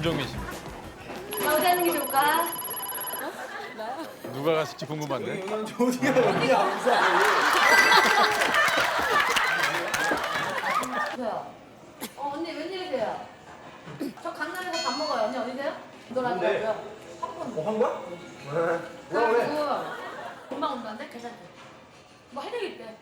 김종민 씨. 어디 하는 게 좋을까? 누가 갔을지 궁금한데. 조디가 언니야 항상. 언니 웬일이세요? 저 강남에서 밥 먹어요. 언니 어디세요? 놀아줘요. 뭐 한 거야? 뭐라 그래? 금방 온다는데? 괜찮지? 뭐 할 얘기 있대.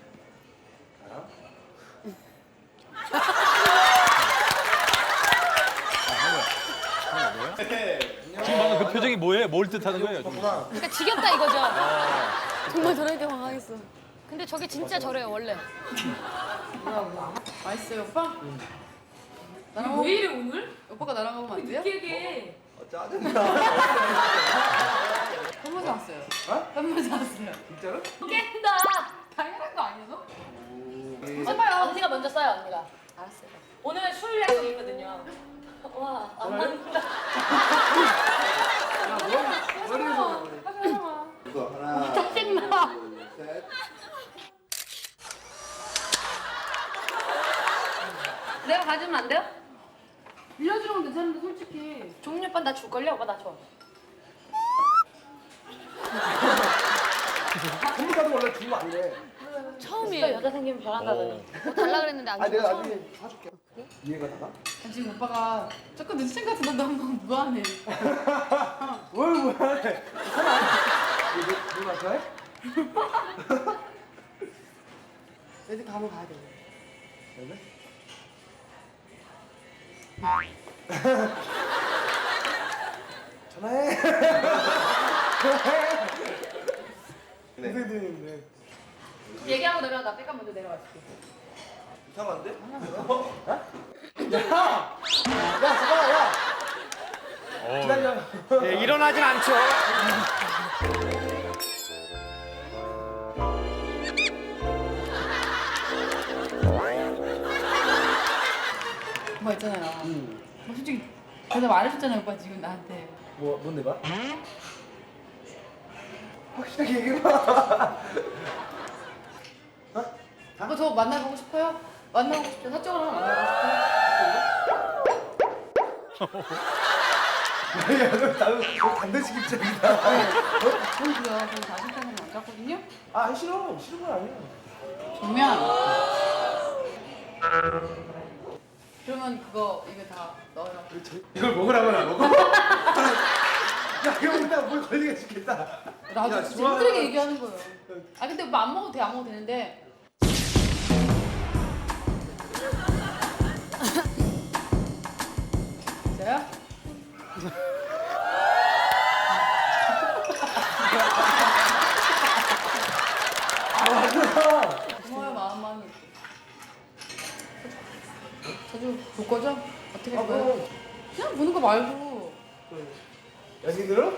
지금 방금 그 표정이 뭐예요? 뭘 뜻하는 거예요? 지금? 그러니까 지겹다 이거죠. 정말 저러니까 황당했어. 근데 저게 진짜 저래요 원래. 맛있어요 오빠? 나랑 왜 이래 오늘? 오빠가 나랑 가면 안 돼요? 느끼하게. 짜증나. 현모자 왔어요. 어? 현모자 왔어요. 진짜로? 깬다. 당연한 거 아니었어? 써봐요. 언니가 먼저 써요, 언니가. 알았어요. 오늘 술 약속 있거든요. 와, 안 맞는다. 머리에서. 이거 하나. 짜증나. 둘, 셋. 내가 가지면 안 돼요? 빌려주는 건 괜찮은데 솔직히. 종민 오빠 나 줄걸요? 오빠 나 줘. 전부가도 원래 주면 안 돼. 오빠 처음이에요. 여자 생기면 별한다더니. 뭐 달라 그랬는데 안 아 내가 줬어. 나중에 사줄게. 이해가 나가? 지금 오빠가 조금 눈치챈 것 같은데 너 한번 무안해. 뭘 뭐해? 괜찮아. 물 마셔? 애들 가면 가야 돼. 그래? 전화해. 네. 선생님인데. 얘기하고 내려와. 나 백업 먼저 내려갈게. 이상한데? 야! 야, 잠깐만, 야! 기다려. 예, 일어나진 않죠. 오빠 있잖아요. 뭐 솔직히 제가 말해줬잖아요 오빠 지금 나한테. 뭔데 봐? 확실하게 얘기해봐. 오빠 저 만나보고 싶어요? 만나보고 싶죠? 사적으로 한번 만나보고 야, 너 반대식 입장이다. 싶어요? 보이고요. 저는 자신감은 안 갖거든요? 아, 싫어. 싫은 건 아니야. 정면. 그러면 그거 입에 다 넣어요. 이걸 먹으라고나 먹어? 야, 이거 먹다 물 걸리게 죽겠다. 나도 야, 진짜 좋아. 힘들게 얘기하는 거예요. 아 근데 오빠 안 먹어도 돼, 안 먹어도 되는데. 진짜요? 아, 맞아. 고마워요, 마음만이. 자주 볼 거죠? 어떻게 볼 거예요? 그럼. 그냥 보는 거 말고. 연인으로?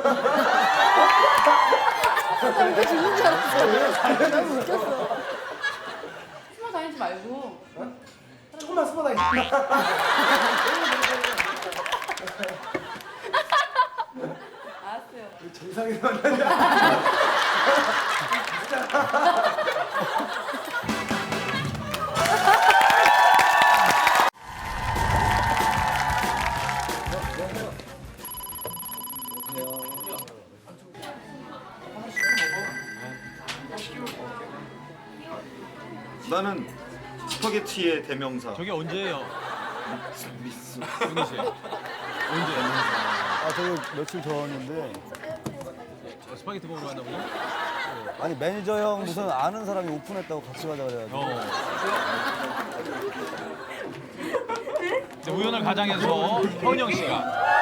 나왜 죽는 줄 알았어. 너무 웃겼어. 숨어 다니지 말고. 조금만 숨어 다니. 알았어요. 정상에서 만나자. 나는 스파게티의 대명사. 저게 언제예요? 미스. 종민 씨. 언제? 아, 저기 며칠 전인데 스파게티 먹으러 갔나보죠? 아니 매니저 형 무슨 아는 사람이 오픈했다고 같이 가자 그래가지고 근데 우연을 가장해서 현영 씨가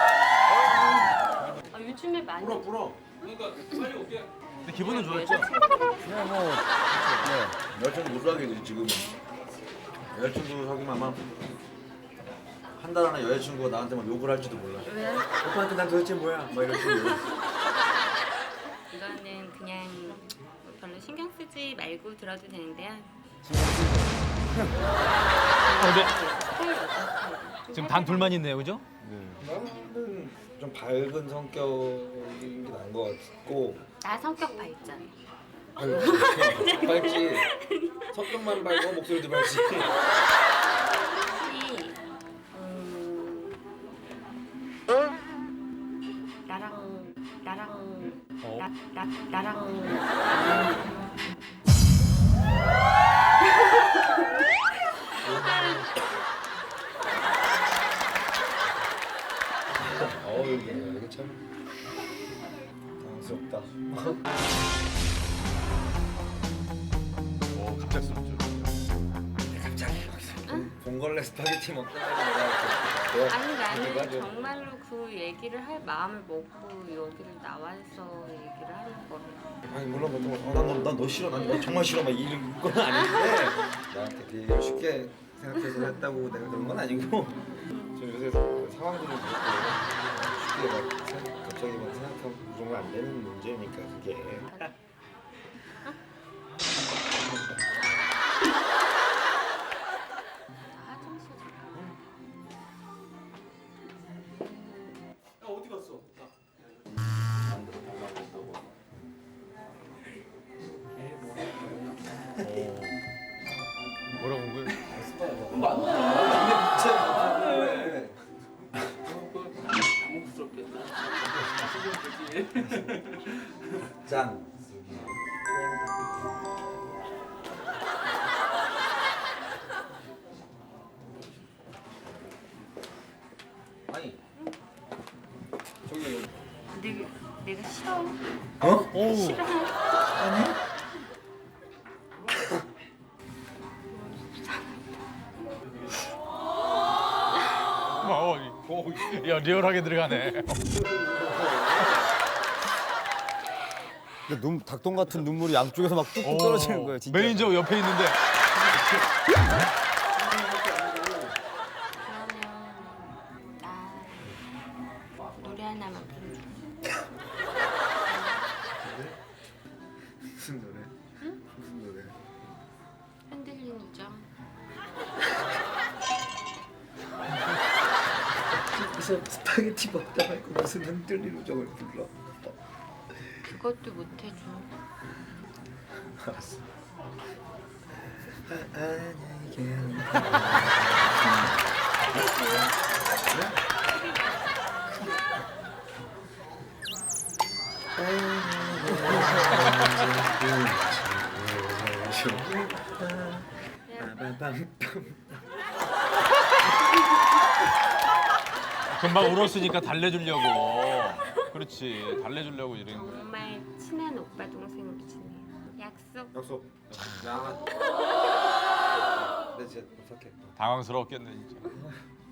아, 요즘에 많이. 근데 기분은 좋았죠? 그냥 뭐 여자친구 못 사귀지 지금은. 여자친구 사귀면 아마 한 달 안에 여자친구가 나한테 막 욕을 할지도 몰라. 왜? 오빠한테 난 도대체 뭐야? 막 이런 식으로. 이거는 그냥 별로 신경 쓰지 말고 들어도 되는데요. 근데 지금 단 둘만 있네요, 그죠? 나는 좀 밝은 성격인 게 나은 것 같고. 나 성격 밝잖아. 밝지. 성격만 밝고 목소리도 밝지. 혹시 나랑 이거 참 당황스럽다. 오 갑작스럽죠. 갑자기 봉골레 스파게티 먹다가 아니 나는 정말로 그 얘기를 할 마음을 먹고 여기를 나와서 얘기를 하는 거래. 아니 물론 보통 난너 싫어, 난 정말 싫어 막 이런 건 아닌데 나한테 되게 쉽게 생각해서 했다고 내가 그런 건 아니고 좀 요새 상황들을 보고 쉽게 갑자기 막 생각하고 그런 거 안 되는 문제니까 그게. 화장실 어디 갔어? 뭐라고 한 거예요? 짠. 아니 저기 내가 싫어. 오. 야 리얼하게 들어가네. 근데 닭똥 같은 눈물이 양쪽에서 막 뚝뚝 떨어지는 거예요, 진짜. 매니저 옆에 있는데. 그러면 나 노래 하나만 불러줘. 무슨 노래? 무슨 노래? 흔들리는 우정. 무슨 스파게티 먹다 말고 무슨 흔들리는 우정을 불러? 그것도 못 해줘. 알았어. 금방 울었으니까 달래주려고. 그렇지 달래주려고 이런 거. 정말 친한 오빠 동생으로 지내. 약속. 약속. 야. 내 진짜 부탁해. 당황스러웠겠네 진짜.